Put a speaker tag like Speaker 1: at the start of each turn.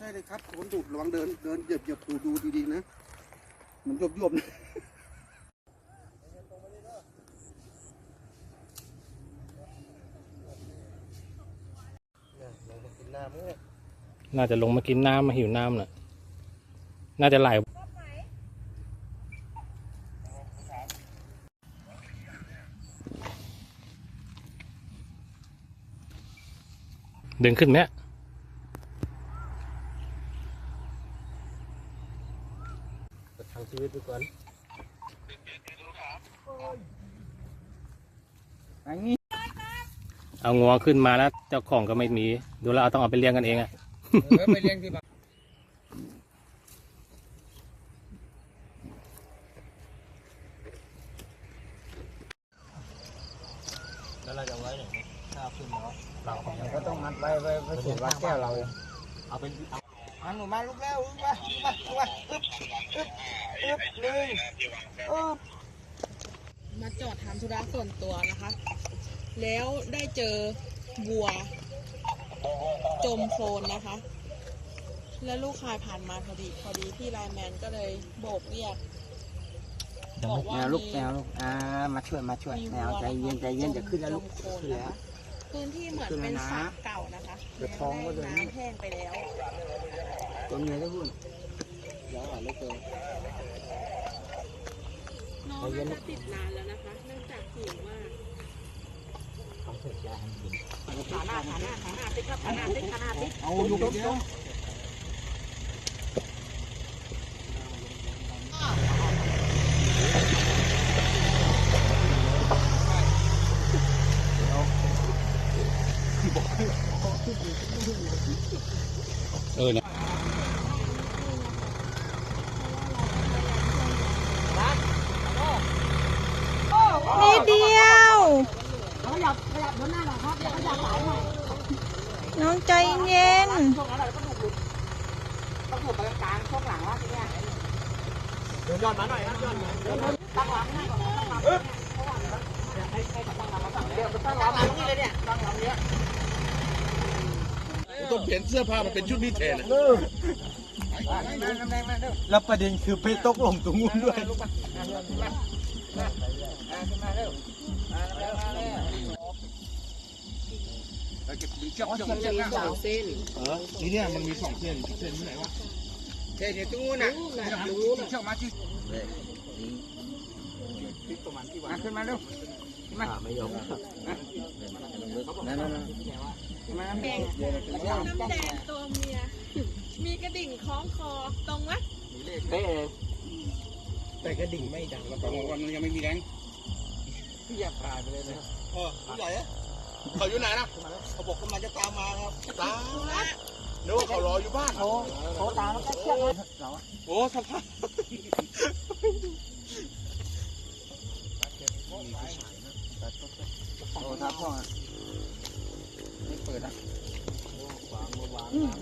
Speaker 1: เลยครับคนดุระวังเดินเหยียบดูดีๆนะมันยวบๆนะ
Speaker 2: น่าจะลงมากินน้ำมาหิวน้ำน่ะน่าจะไหลดึงขึ้นไหมทางชีวิตดูก่อนเอางัวขึ้นมาแล้วเจ้าของก็ไม่มีดูแล้วต้องเอาไปเลี้ยงกันเองอะ
Speaker 1: ไปเลี้ยงที่บ้าน
Speaker 2: แล้วเราจะไว้ไหนถ้าขึ้นแล้วเรา
Speaker 1: ก็ต้องมัดไว้สูบวัดแก้วเรา
Speaker 2: เอาเป็น
Speaker 1: หนูมาลุกแล้วลุกมาอึ๊บหนึ่ง
Speaker 3: มาจอดทำธุระส่วนตัวนะคะ แล้วได้เจอวัวจมโคลนนะคะ แล้วลูกชายผ่านมาพอดีพี่ไลน์แมนก็เลยโบกเรียกบอกว่า
Speaker 1: ลูกมาช่วยแมวใจเย็นจะขึ้นแล้วลูกขึ้นแล้ว
Speaker 3: พื้นที่เหมือนเป็นสระเก่านะคะน้ำแห้งไปแล้ว
Speaker 1: ตัวเมียได้หุ่นแล้วอ่ะไม่เจอ
Speaker 3: น้องน่าจะติดนานแล้วนะคะเนื่องจากหิวมากขาหน้าติ๊กครับขาหน้าติ๊ก
Speaker 1: เอาลูกเดียว
Speaker 2: เนี่ย
Speaker 3: นิดเดียว
Speaker 1: ขยับบนหน้าหน่อยครับขยับสายหน่อย
Speaker 3: น้องใจเย็น
Speaker 1: ช่วงนั้นเราต้องถูกไปกลางช่วงหลังว่าทีเนี้ยเดินย้อนมาหน่อยครับย้อนมาตั้งหลังให้ก่อนตั้งหลังให้ตั้งหลังมาฝั่งเดียวตั้งหลังนี่เลยเนี่ยตั้งหลังเนี้ย
Speaker 4: ต้องเปลี่ยนเสื้อผ้ามันเป็นชุดพิเศษ
Speaker 1: แล้วประเด็นคือไปตกลงตรงนู้นด้วย
Speaker 4: นี่เนี่ยมันมี2 เส้นที่ไหนวะ
Speaker 1: เส้นตรงนู้นนะตรงนู้นเชือกมาที่ขึ้นมาเร็วไม่ยอมนั่น
Speaker 3: น้ำแดงตัวเมียมีกระดิ่งคล้องคอตรงไหม
Speaker 1: แต่กระดิ่งไม่ดังแล้ววันยังไม่มีแรงพี่อยากตายไปเลยนะ
Speaker 4: ผู้ใหญ่เขาอยู่ไหนนะเขาบอกกำลังจะตามมาครับตามนึกว่าเขารออยู่บ้าน
Speaker 1: โอ้ตามแล้วก็เชือกเรา
Speaker 4: โอ้สภาพ
Speaker 1: โอ้ทับพ่อไม่เปิดอ่ะ